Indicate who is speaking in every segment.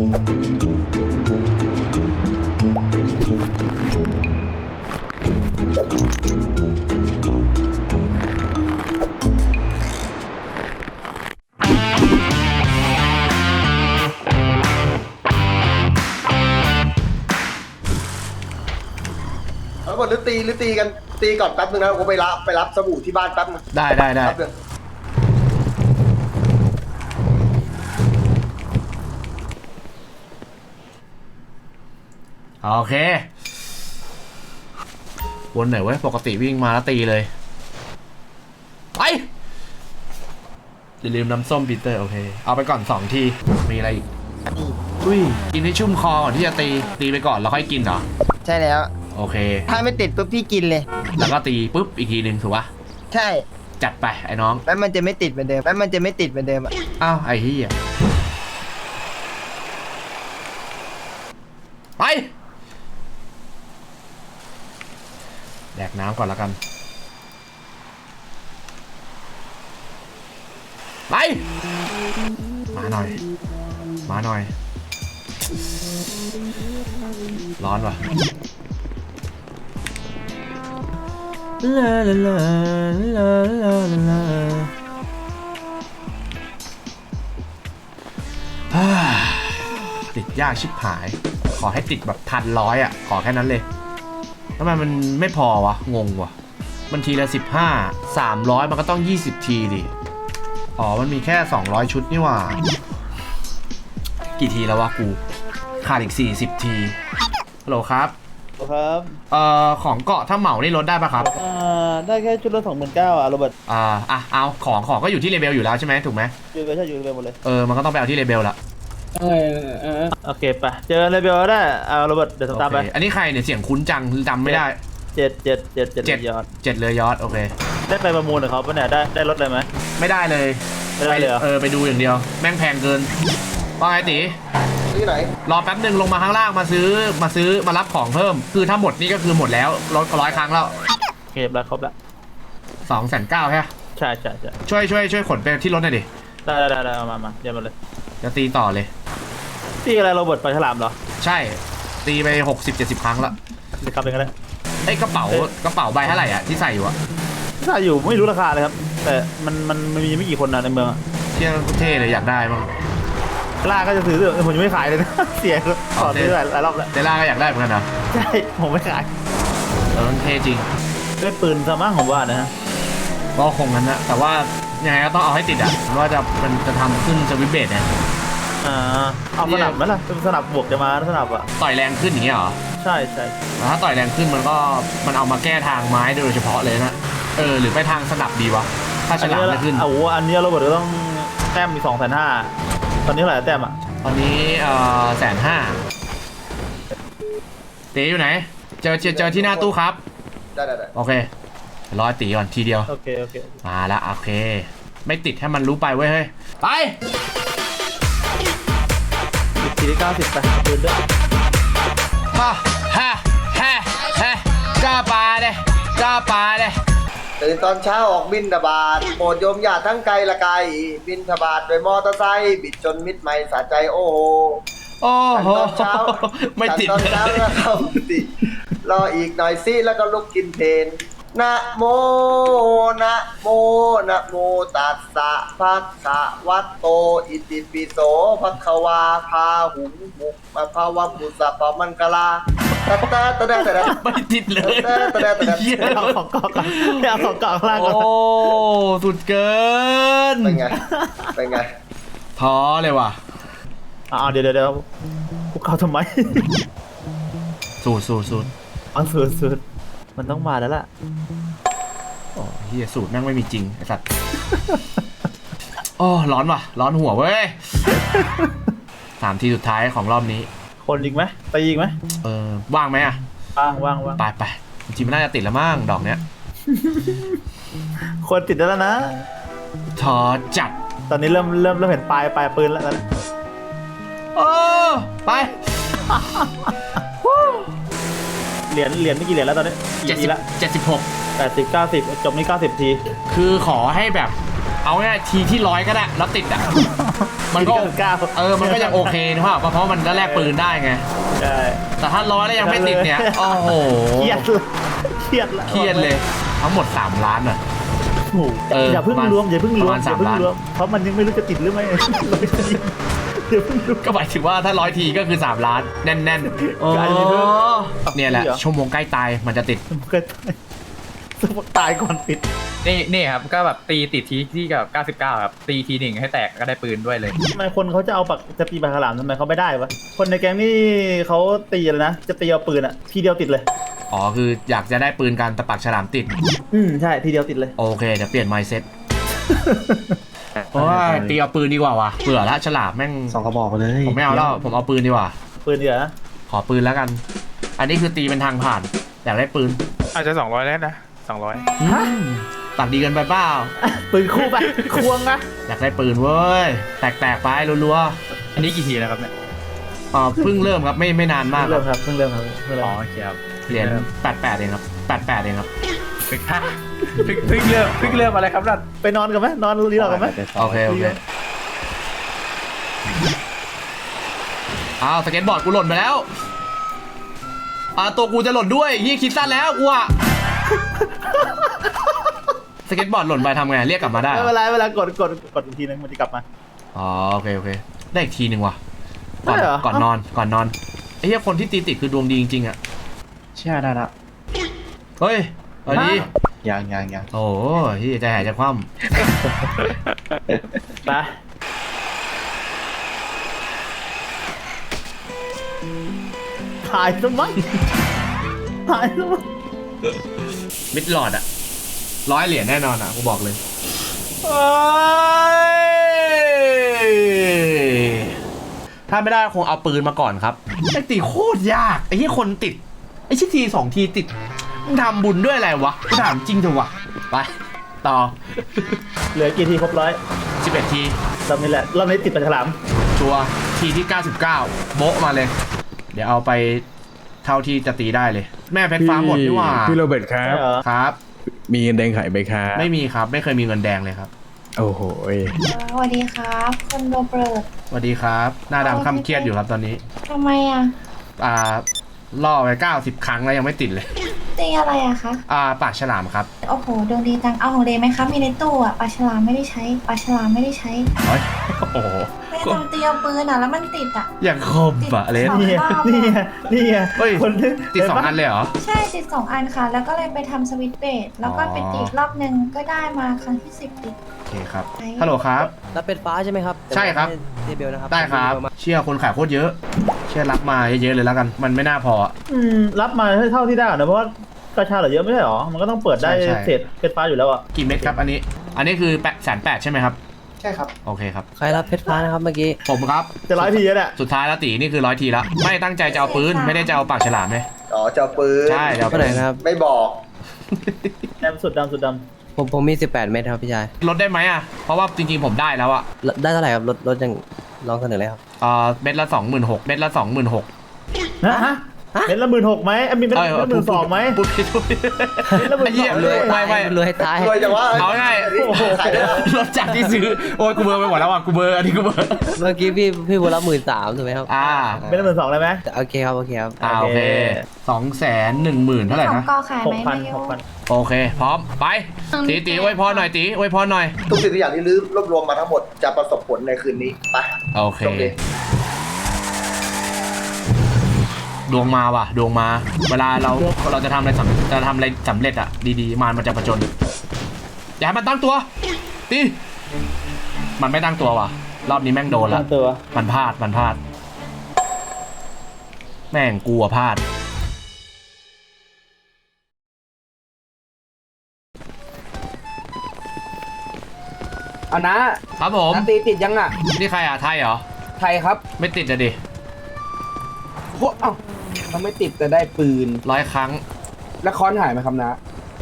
Speaker 1: แล้วหรือตีกันตีก่อนแป๊บนึงนะผมไปรับสบู่ที่บ้านแป๊บนึง
Speaker 2: ได้โอเควนไหนเว้ยปกติวิ่งมาแล้วตีเลยไปอย่าลืมน้ำส้มปีเตอร์โอเคเอาไปก่อน2ทีมีอะไรอีกอุ้ยกินให้ชุ่มคอก่อนที่จะตีไปก่อนแล้วค่อยกินเหรอ
Speaker 3: ใช่แล้ว
Speaker 2: โอเค
Speaker 3: ถ้าไม่ติดปุ๊บพี่กินเลย
Speaker 2: แล้วก็ตีปุ๊บอีกทีหนึ่งถูกปะ
Speaker 3: ใช่
Speaker 2: จัดไปไอ้น้อง
Speaker 3: แล้วมันจะไม่ติดเหมือนเดิม
Speaker 2: อ้าวไอ้เหี้ยไปแดกน้ำก่อนแล้วกันไปมาหน่อยร้อนว่ะลาลาลาลาลาลาติดยากชิบหายขอให้ติดแบบ1,100อ่ะขอแค่นั้นเลยทำไมมันไม่พอวะงงวะมันทีละ15 300มันก็ต้อง20ทีดิอ๋อมันมีแค่200ชุดนี่หว่ากี่ทีแล้ววะกูขาดอีก40ทีฮัลโหลครับของเกาะถ้าเหมานี่ลดได้ปะครับ
Speaker 4: ได้แค่ชุดละ29,000อ่ะโรเบิร์ต
Speaker 2: เอาของก็อยู่ที่เลเบลอยู่แล้วใช่ไหมถูกไหม
Speaker 4: อยู่เลเบลหมดเลย
Speaker 2: มันก็ต้องไปเอาที่เลเบลละ
Speaker 4: โอเคไปเจอเลเบลได้โรเบิร์ตเดี๋ยวตามไป
Speaker 2: อันนี้ใครเนี่ยเสียงคุ้นจังจำไม่ได้
Speaker 4: 7ยอด
Speaker 2: 7เลยยอดโอเค
Speaker 4: ได้ไปประมูลกับเขาปะเนี่ยได้รถอะไรไหม
Speaker 2: ไม่ได้เลยไปดูอย่างเดียวแม่งแพงเกินว่าไงตี
Speaker 1: ที่ไหน
Speaker 2: รอแป๊บนึงลงมาข้างล่างมาซื้อมารับของเพิ่มคือถ้าหมดนี่ก็คือหมดแล้ว100 ครั้งแล้ว
Speaker 4: โอเคแล้วครบแล้ว
Speaker 2: 290,000ใช่
Speaker 4: ใช่
Speaker 2: ช่วยขนไปที่รถหน่อยดิ
Speaker 4: ได้เอามาเดี๋ยวมาเลย
Speaker 2: จะตีต่อเลย
Speaker 4: ตีอะไรโรเบิร์ตไปฉลามเหรอ
Speaker 2: ใช่ตีไป60-70 ครั้งแล้ว
Speaker 4: จะขับเป็นกันเลย
Speaker 2: ไอ้กระเป๋าใบเท่าไหร่อ่ะที่ใส่อยู่อะ
Speaker 4: ใส่อยู่ไม่รู้ราคาเลยครับแต่มันมีไม่กี่คนนะในเมือง
Speaker 2: เที่ยวเท่เลยอยากได้บ้าง
Speaker 4: ล่าก็จะซื้อผมยังไม่ขายเลยนะเสียขอซื้อหลายรอบแล้ว
Speaker 2: เดล่าก็อยากได้เหมือนกันนะ
Speaker 4: ใช่ผมไม่ขาย
Speaker 2: มันเท่จริง
Speaker 4: ได้ปืนซะมั้งผมว่านะฮะ
Speaker 2: ก็คงงั้นนะแต่ว่ายังไงก็ต้องเอาให้ติดอ่ะว่ามันจะทำขึ้นสวิตช์เบสเนี่ย
Speaker 4: เอาสนับไหมล่ะสนับบวกจะมาสนับอะ
Speaker 2: ต่อยแรงขึ้นอย่างเงี้ยเหรอ
Speaker 4: ใช่
Speaker 2: ถ้าต่อยแรงขึ้นมันเอามาแก้ทางไม้โดยเฉพาะเลยนะหรือไปทางสนับดีวะถ้าฉลามไม่ขึ้น
Speaker 4: อันนี้เราบอกว่าต้องแต้มมี250,000ตอนนี้เท่าไหร่แต้มอะ
Speaker 2: ตอนนี้150,000เต๋อยู่ไหนเจอที่หน้าตู้ครับ
Speaker 1: ได้
Speaker 2: โอเครอตีก่อนทีเดียว
Speaker 4: โอเค
Speaker 2: มาละโอเคไม่ติดให้มันรู้ไปเว้ยเฮ้ยไป
Speaker 4: ทีที่90ไปปืนด้วย
Speaker 2: กล้าปลาเลย
Speaker 1: ตื่นตอนเช้าออกบินทบาทโปรดโยมญาติทั้งไกลละไกลบินทบาทโดยมอเตอร์ไซค์บิดจนมิดไม่สะใจโอ้โหตอนเช้า
Speaker 2: ไม่ติด
Speaker 1: ตอนเช้าก็เข้าติดรออีกหน่อยซิแล้วก็ลุกกินเพลนนะโมตัสสะภะคะวะโตอิติปิโสภะคะวาพาหุงมุกมาภาวะปุสสะปะมังกลาตะ
Speaker 2: ไม่ติดเลย
Speaker 4: เอาของเกาะล่างก่อน
Speaker 2: โอ้สุดเกิน
Speaker 1: เป็นไง
Speaker 2: ท้อเลยว่ะ
Speaker 4: เดี๋ยวพวกเขาทำไม
Speaker 2: สูตร
Speaker 4: สูตรมันต้องมาแล้วล่ะ
Speaker 2: โอ้เฮียสูตรแม่งไม่มีจริงไอ้สัตว์โอ้ร้อนว่ะร้อนหัวเว้ย3 ทีสุดท้ายของรอบนี้
Speaker 4: คนอีกไหมไปอีกไหม
Speaker 2: ว่างไหมอ่ะ
Speaker 4: ว่าง
Speaker 2: ไปจริงๆมันน่าจะติดแล้วมั้งดอกเนี้ย
Speaker 4: คนติดแล้วนะ
Speaker 2: ท้อจัด
Speaker 4: ตอนนี้เริ่มเห็นปลายปืนแล้วนะ
Speaker 2: ไป
Speaker 4: เหรียญไม่กี่เหรียญแล้วตอนนี้
Speaker 2: 76
Speaker 4: 80 90จบนี่90 ที
Speaker 2: คือขอให้แบบเอาง่ายทีที่100ก็ได้แล้วติดอ่ะมันก็
Speaker 4: 99
Speaker 2: มันก็ยังโอเคนะเพราะมันก็แลกปืนได้ไง
Speaker 4: ใช่
Speaker 2: แต่ถ้า100แล้วยังไม่ติดเนี่ยโอ้โห
Speaker 4: เครียดเลยเครียดละ
Speaker 2: เครียดเลยทั้งหมด3 ล้านอ่ะ
Speaker 4: โอ้โหอย่าเพิ่งรวมอย่าเพิ่งรวม
Speaker 2: ประมาณ
Speaker 4: อย่าเพิ่ง
Speaker 2: 3 ล้าน
Speaker 4: รวมเพราะมันยังไม่รู้จะติดหรือไม่อย่าเพิ่งรวม
Speaker 2: ก็หมายถึงว่าถ้า100ทีก็คือ3 ล้านแน่นๆ
Speaker 4: อาจจะมีเพิ่ม
Speaker 2: เนี่ยแหละ
Speaker 4: เหรอ
Speaker 2: ชั่วโมงใกล้ตายมันจะติด
Speaker 4: ก็ตายก่อนปิด
Speaker 5: นี่ครับก็แบบตีติดทีที่กับ99ครับตีทีหนึ่งให้แตกก็ได้ปืนด้วยเลย
Speaker 4: ทำไมคนเขาจะเอาจะตีปากฉลามทำไมเขาไม่ได้วะคนในแก๊งนี่เขาตีเลยนะจะตีเอาปืนอะทีเดียวติดเลย
Speaker 2: อ๋อคืออยากจะได้ปืนการตะปักฉลามติด
Speaker 4: ใช่ทีเดียวติดเลย
Speaker 2: โอเคเดี๋ยวเปลี่ยน mindset เพราะว่าตีเอาปืนดีกว่าว่ะเบื่อละฉลามแม่ง
Speaker 6: 2 กระบอกเลย
Speaker 2: ผมไม่เอาแล้วผมเอาปืนดีกว่า
Speaker 4: ปืนเดียวนะ
Speaker 2: ขอปืนแล้วกัน อันนี้คือตีเป็นทางผ่านอยากได้ปืน
Speaker 7: อาจจะ200แล้วนะ200
Speaker 4: ฮะ
Speaker 2: ตัดดีกันไปเปล่า
Speaker 4: ปืนคู่ไปควงนะ
Speaker 2: อยากได้ปืนเว้ยแตกๆไปรัว
Speaker 5: อันนี้กี่ทีแล้วครับเนี่ย
Speaker 2: ๆเพิ่งเริ่มครับไม่นานมาก
Speaker 4: เริ่มครับเพิ่งเริ่มครับเพิ่งเริ่
Speaker 5: อ๋อ
Speaker 4: ม
Speaker 5: โอเคครับ
Speaker 2: เหรียญ88เองครับ88เองครับ
Speaker 5: เพิ่งเริ่มอะไรครับนั่น
Speaker 4: ไปนอนกันไหมนอนรีหลับกันไหม
Speaker 2: โอเคอ้าวสเก็ตบอร์ดกูหล่นไปแล้วตัวกูจะหล่นด้วยยี่คิดสั้นแล้วกูอะสเก็ตบอร์ดหล่นไปทำไงเรียกกลับมาได้เหรอ
Speaker 4: เวลากดอีกทีนึงมันจะกลับมา
Speaker 2: อ๋อโอเคได้อีกทีหนึ่งว่ะ
Speaker 4: ได้เหรอ
Speaker 2: ก่อนนอนไอ้เหี้ยคนที่ตีติดคือดวงดีจริงๆอ่ะ
Speaker 6: เชื่อได้ละ
Speaker 2: เฮ้ยเอาดี
Speaker 6: ยัง
Speaker 2: โอ้ยที่ใจหายใจคว่
Speaker 4: ไปถ่ายซะมั้งถ่ายซะมั้ง
Speaker 2: ำมิดหลอดอ่ะ100 เหรียญแน่นอนอ่ะกูบอกเลยถ้าไม่ได้คงเอาปืนมาก่อนครับไอ้ตีโคตรยากไอ้ที่คนติดไอ้ชิที2 ทีติดมึงทำบุญด้วยอะไรวะกูถามจริงเถอะวะไปต่อ
Speaker 4: เหลือกี่ทีครบร้อย
Speaker 2: 11 ที
Speaker 4: รอบนี้แหละรอบนี้ติดปลาฉลาม
Speaker 2: ชัวร์ทีที่99โบ๊ะมาเลย เดี๋ยวเอาไปเท่าที่จะตีได้เลย แม่เพชรฟ้าหมดนี่หว่า
Speaker 7: พี่โรเบิร์ตครั
Speaker 4: ใช่
Speaker 7: บ
Speaker 4: เหรอ
Speaker 2: ครับ
Speaker 7: มีเงินแดงขายไหมครับ
Speaker 2: ไม่มีครับไม่เคยมีเงินแดงเลยครับ
Speaker 7: โอ้โห
Speaker 8: สวัสดีครับคุณโรเบิร์ต
Speaker 2: สวัสดีครับ หน้าดำค่ำเครียดอยู่ครับตอนนี้
Speaker 8: ทำไมอ่ะ
Speaker 2: ล่อไป90 ครั้งแล้วยังไม่ติดเลย
Speaker 8: ตีอะไรอะคะ
Speaker 2: ปากฉลามครับ
Speaker 8: โอ้โหดวงดีจังเอาของเดย์ไหมคะมีในตู้อะปลาฉลามไม่ได้ใช้ปลาฉลามไม่ได้ใช้
Speaker 2: เฮ้ยโอ้โห
Speaker 8: ไม่ได้ทำตีเอาปืนอะแล้วมันติดอะ
Speaker 2: อย่างคมปะเลน
Speaker 4: นี่ไงนี่ไงนี่ไง
Speaker 2: เฮ้ย
Speaker 4: คนที่
Speaker 2: ติด2 อันเลยเหรอ
Speaker 8: ใช่ติด2 อันค่ะ แล้วก็เลยไปทำสวิตช์เบสแล้วก็ไปติดรอบนึงก็ได้มาครั้งที่10ติด
Speaker 2: โอเคครับฮัลโหลครับ
Speaker 3: แล้วเป็นฟ้าใช่ไหมครับ
Speaker 2: ใช่ครับ
Speaker 3: เดบิวนะครับ
Speaker 2: ได้ครับ เชื่อคนขายโคตรเยอะ เชื่อรับมาเยอะๆเลยแล้วกัน มันไม่น่าพอ
Speaker 4: รับมาเท่าที่ได้ก่อนนะเพราะว่ากระชาเหลือเยอะไม่ใช่หรอมันก็ต้องเปิดได้
Speaker 2: ใช่
Speaker 4: เศษเพชรฟ้าอยู่แล้วอ่ะ
Speaker 2: กี่เม็ดครับอันนี้คือ180,000ใช่ไหมครับ
Speaker 1: ใช่ครับ
Speaker 2: โอเคครับ
Speaker 3: ใครรับเพชรฟ้านะครับเมื่อกี้
Speaker 2: ผมครับ
Speaker 4: จะร้อยทีแล้วเนี่ย
Speaker 2: สุดท้ายแล้วตีนี่คือ100 ทีแล้วไม่ตั้งใจจะเอาปืนไม่ได้จะเอาปากฉลามไหม
Speaker 1: อ๋อเจ้าปืน
Speaker 2: ใช่จะเอา
Speaker 3: เท่าไหร่นะครับ
Speaker 1: ไม่บอก
Speaker 4: ดำสุดด
Speaker 3: ผมมี 18 เม็ดครับพี่ชาย
Speaker 2: ลดได้ไหมอ่ะเพราะว่าจริงๆผมได้แล้วอ่ะ
Speaker 3: ได้เท่าไหร่ครับรถยังลองเสนอเลยครับ
Speaker 2: เม็ดละ26,000เม็ดละ26,000
Speaker 4: ำฮะเม็ดละ16,000ไหมมีเม็ดละ12,000ไหม
Speaker 2: พูดผิด
Speaker 4: เม็ดละ
Speaker 2: ไอ้เหี้ย
Speaker 4: 12,000เลย
Speaker 2: ไม่
Speaker 3: รวยตาย
Speaker 1: รวยจังวะ
Speaker 2: เอาง่าย
Speaker 1: ขายได้แล้ว
Speaker 2: ลดจากที่ซื้อโอ้ยกูเบอร์ไปหมดแล้วอ่ะกูเบอร์อันนี้กูเบอร์
Speaker 3: เมื่อกี้พี่บุญรับ13,000ถูกไหมครับ
Speaker 4: เม็ดละ12,000ได้ไหม
Speaker 3: โอเคครับโอเคครับ
Speaker 2: โอเค210,000เท่าไหร่
Speaker 8: ของ
Speaker 2: นะ
Speaker 8: กอขายไหมไม่รู้
Speaker 4: 6,000
Speaker 2: โอเคพร้อมไปตีไว้พอหน่อยตีไว้พอหน่อย
Speaker 1: ทุกสิ่งทุกอย่างที่รื้อรวบรวมมาทั้งหมดจะประสบผลในคืนนี้ไป
Speaker 2: โอเค
Speaker 1: โอเค
Speaker 2: ดวงมาว่ะดวงมา เวลาเราจะทำอะไรสำเร็จอ่ะดีๆมันจะประจนอย่าให้มันตั้งตัวตีมันไม่ตั้งตัวว่ะรอบนี้แม่งโดนละ
Speaker 4: ตั้งตัว
Speaker 2: มันพลาดแม่งกลัวพลาด
Speaker 9: เอานะครับ
Speaker 2: ผม
Speaker 9: น้าตีติดยังอ่ะ
Speaker 2: นี่ใครอ่ะไทยเหรอ
Speaker 9: ไทยครับ
Speaker 2: ไม่ติดอะดิ
Speaker 9: โคเอ้าทำไมติดแต่ได้ปืน
Speaker 2: 100 ครั้ง
Speaker 9: แล้วค้อนหายไหมครับนะ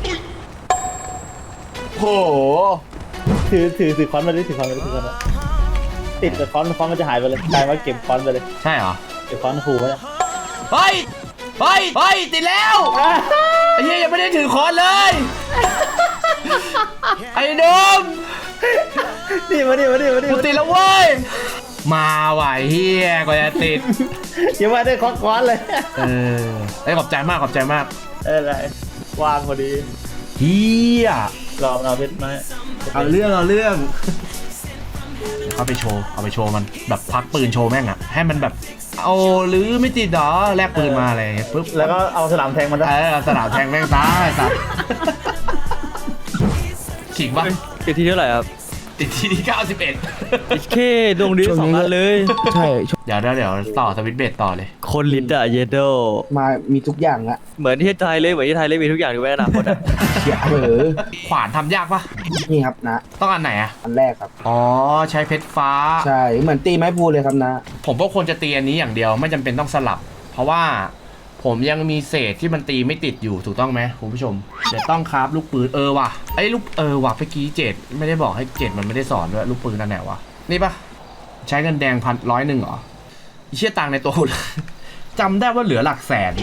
Speaker 9: โห
Speaker 4: ถือค้อนมาดิถือค้อนมาติดแต่ค้อนมันจะหายไปเลยกลายว่าเก็บค้อนไปเลย
Speaker 2: ใช่เหรอ
Speaker 4: เก็บค้อนขู่ไว้เนี่ย
Speaker 2: เฮ้ยติดแล้วไอ้เหี้ยยังไม่ได้ถือคอนเลย ไอ้ดม
Speaker 4: นี่มาดิ
Speaker 2: กูติดแล้วเว้ยมาไหวเฮียกว่าจะติด
Speaker 4: อย่ามาได้คอสเลย
Speaker 2: ไอ้ยขอบใจมาก
Speaker 4: อะไรวางพอดี
Speaker 2: เฮีย
Speaker 4: รอเราเพชรไหม
Speaker 2: เอาเรื่องเอาไปโชว์มันแบบพักปืนโชว์แม่งอะให้มันแบบเอาหรือไม่ติดหรอแลกปืนมาอะไรอย่างเงี้ยปุ๊บ
Speaker 4: แล้วก็เอาสนามแทงมันซะ
Speaker 2: เอาสนามแทงแม่งตายสัตว์ขิงปะ
Speaker 3: คือที่เท่าไหร่ครับ
Speaker 2: ติดที่91
Speaker 3: เคดวงดี2 อันเลย
Speaker 9: ใช่
Speaker 2: เดี๋ยวต่อสวิตช์เบสต่อเลย
Speaker 3: คนลิ้นอะเยโด
Speaker 9: มามีทุกอย่างอะ
Speaker 3: เหมือนที่ไทยเลยมีทุกอย่างถูกไหมอนาคตอะ
Speaker 9: เขียเหอ
Speaker 2: ขวานทำยากปะ
Speaker 9: นี่ครับนะ
Speaker 2: ต้องอันไหนอะ
Speaker 9: อันแรกครับ
Speaker 2: อ๋อใช้เพชรฟ้า
Speaker 9: ใช่เหมือนตีไม้พูเลยครับนะ
Speaker 2: ผมก็ควรจะตีอันนี้อย่างเดียวไม่จำเป็นต้องสลับ เพราะว่าผมยังมีเศษที่มันตีไม่ติดอยู่ถูกต้องไหมคุณผู้ชมเดี๋ยวต้องคราฟลูกปืนว่ะไอ้ลูกว่ะเมื่อกี้เจ็ดไม่ได้บอกให้เจ็ดมันไม่ได้สอนด้วยลูกปืนนั่นแหละวะนี่ปะใช้เงินแดง100เหรอไอ้เชี่ยตังค์ในตัวกู จำได้ว่าเหลือหลักแสน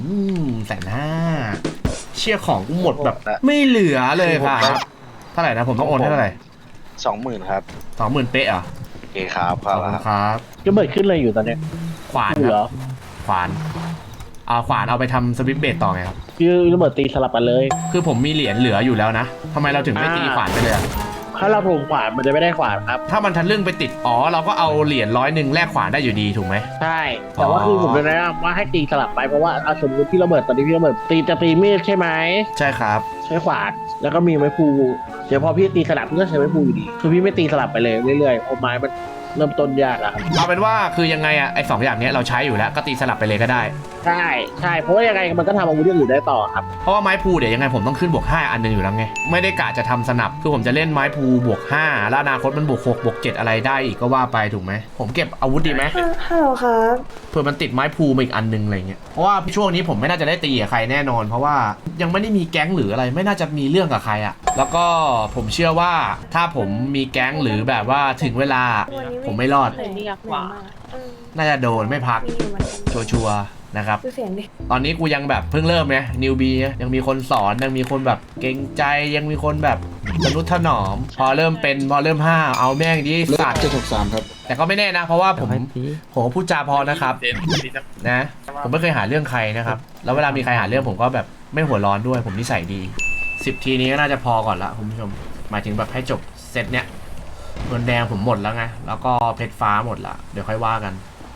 Speaker 2: 150,000เชี่ยของกูหมดแบบไม่เหลือเลยครับเท่าไหร่นะผมต้องโอนให้เท่าไหร่
Speaker 6: 20,000 ครับ
Speaker 2: 20,000เป๊ะเหรอ
Speaker 6: โอเคครับ
Speaker 2: ขอบคุณครับ
Speaker 4: ก็เบิดขึ้นเลยอยู่ตอนเนี้ย
Speaker 2: ขวาน
Speaker 4: เห
Speaker 2: ค
Speaker 4: ร
Speaker 2: รั
Speaker 4: อบ
Speaker 2: ขวานขวานเอาไปทำสวิตช์เบสต่อไงครับ
Speaker 4: คือระเบิดตีสลับกันเลย
Speaker 2: คือผมมีเหรียญเหลืออยู่แล้วนะทำไมเราถึงไม่ตีขวานไปเลยอะ
Speaker 4: ถ้าเราถูกขวานมันจะไม่ได้ขวานครับ
Speaker 2: ถ้ามันทะลึ่งไปติดเราก็เอาเหรียญ100แลกขวานได้อยู่ดีถูกไหม
Speaker 4: ใช่ แต่ว่าคือผมจะแนะนำว่าให้ตีสลับไปเพราะว่าเอาสมมติพี่ระเบิดตอนนี้พี่ระเบิดจะตีมีดใช่ไหม
Speaker 2: ใช่ครับ
Speaker 4: ใช้ขวานแล้วก็มีไม้พูเดี๋ยวพอพี่ตีสลับพี่ก็ใช้ไม้พูอยู่ดีคือพี่ไม่ตีสลับไปเลยเรื่อยๆเพราะไม้มันเริ่มต้นยากอะครับ
Speaker 2: เอาเป็นว่าคือยังไงอะไอ้2อย่างเนี้ยเราใช้อยู่แล้วก็ตีสลับไปเลยก็ได้
Speaker 4: ใช่เพราะว่ายังไงมันก็ทำอาวุธอย่างอื่นได้ต่อครับ
Speaker 2: เพราะว่าไม้พูเดี๋ยวยังไงผมต้องขึ้นบวก5อันหนึงอยู่แล้วไงไม่ได้กะจะทำสนับคือผมจะเล่นไม้พูบวก5แล้วอนาคตมันบวก6บวก7อะไรได้อีกก็ว่าไปถูกไหมผมเก็บอาวุธดีไหม
Speaker 8: ฮัลโหลครับ
Speaker 2: เผื่อมันติดไม้พูมาอีกอันนึงอะไรเงี้ยเพราะว่าช่วงนี้ผมไม่น่าจะได้ตีกับใครแน่นอน เพราะว่ายังไม่ได้มีแก๊งหรืออะไรไม่น่าจะมีเรื่องกับใครอะแล้วก็ผมเชื่อว่าถ้าผมมีแก๊งหรือแบบว่าถึงเวลาผมไม่รอด น่าจะโดนไม่พักชัวร์ๆนะครับตอนนี้กูยังแบบเพิ่งเริ่มไงนิวบียังมีคนสอนยังมีคนแบบเกรงใจยังมีคนแบบมนุษย์ถนอม พอเริ่ม5เอาแม่งดิสัตว์
Speaker 9: 763 ครับ
Speaker 2: แต่ก็ไม่แน่นะ เพราะว่าผมพูดจาพอนะครับนะผมไม่เคยหาเรื่องใครนะครับแล้วเวลามีใครหาเรื่องผมก็แบบไม่หัวร้อนด้วยผมนิสัยดี10 ทีนี้ก็น่าจะพอก่อนละคุณผู้ชมหมายถึงแบบให้จบเซตเนี้ยเงินแดงผมหมดแล้วไงแล้วก็เพชรฟ้าหมดละเดี๋ยวค่อยว่ากัน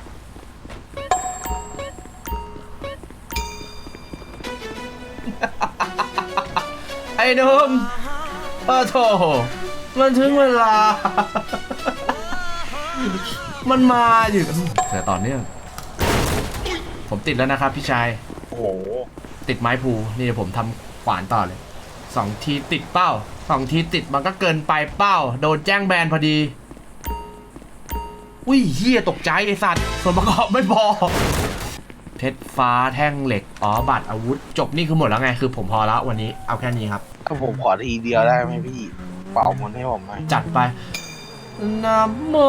Speaker 2: ไอ้หนุ่มโธ่มันถึงเวลา มันมาอยู่แต่ต่อเนื่องผมติดแล้วนะครับพี่ชาย
Speaker 6: โอ้โห
Speaker 2: ติดไม้พูนี่ผมทำขวานต่อเลย2 ทีติดเป้า2 ทีติดมันก็เกินไปเป้าโดนแจ้งแบนพอดีอุ้ยเฮียตกใจไอสัตว์ส่วนประกอบไม่พอเพชรฟ้าแท่งเหล็กบัตรอาวุธจบนี่คือหมดแล้วไงคือผมพอแล้ววันนี้เอาแค่นี้ครับ
Speaker 6: ถ้าผมขอทีเดียวได้ไหมพี่ เป่ามันให้ผมหน่อย
Speaker 2: จัดไปนะโม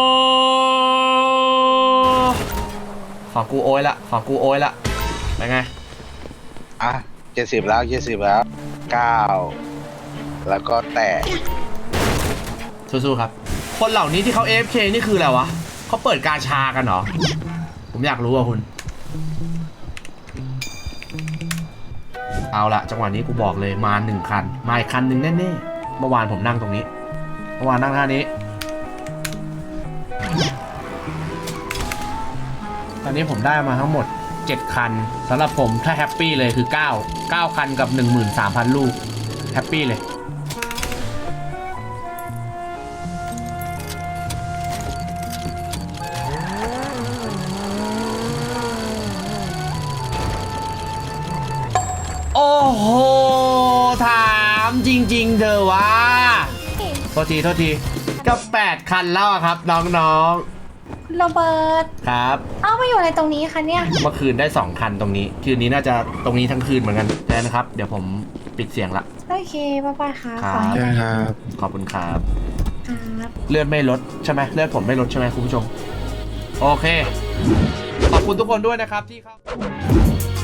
Speaker 2: ของกูโอยละเป็นไง
Speaker 6: อ่ะ 70 แล้ว 9 แล้วก็แตะ
Speaker 2: สู้ๆครับคนเหล่านี้ที่เขา AFK นี่คืออะไรวะเขาเปิดกาชากันเหรอผมอยากรู้อ่ะคุณเอาละจังหวะนี้กูบอกเลยมา1 คันมาอีกคันหนึ่งแน่ๆเมื่อวานผมนั่งตรงนี้เมื่อวานนั่งท่านี้ตอนนี้ผมได้มาทั้งหมด7 คันสำหรับผมถ้าแฮปปี้เลยคือ9คันกับ 13,000 ลูกแฮปปี้เลยโอ้โหถามจริงๆเธอวะโทษทีก็8 คันแล้วอะครับน้องๆ
Speaker 8: โรเบิร์ต
Speaker 2: ครับ
Speaker 8: เอามาอยู่อะไรตรงนี้คะเนี่ย
Speaker 2: เมื่อคืนได้2 คันตรงนี้คืนนี้น่าจะตรงนี้ทั้งคืนเหมือนกันแล้วนะครับเดี๋ยวผมปิดเสียงละ
Speaker 8: โอเคบ๊ายบายค่ะ
Speaker 2: ครับ
Speaker 8: ขอให้ได้
Speaker 9: ครับ
Speaker 2: ขอบคุณครับ
Speaker 8: ครับ
Speaker 2: เลือดไม่ลดใช่ไหมเลือดผมไม่ลดใช่ไหมคุณผู้ชมโอเคขอบคุณทุกคนด้วยนะครับที่เข้า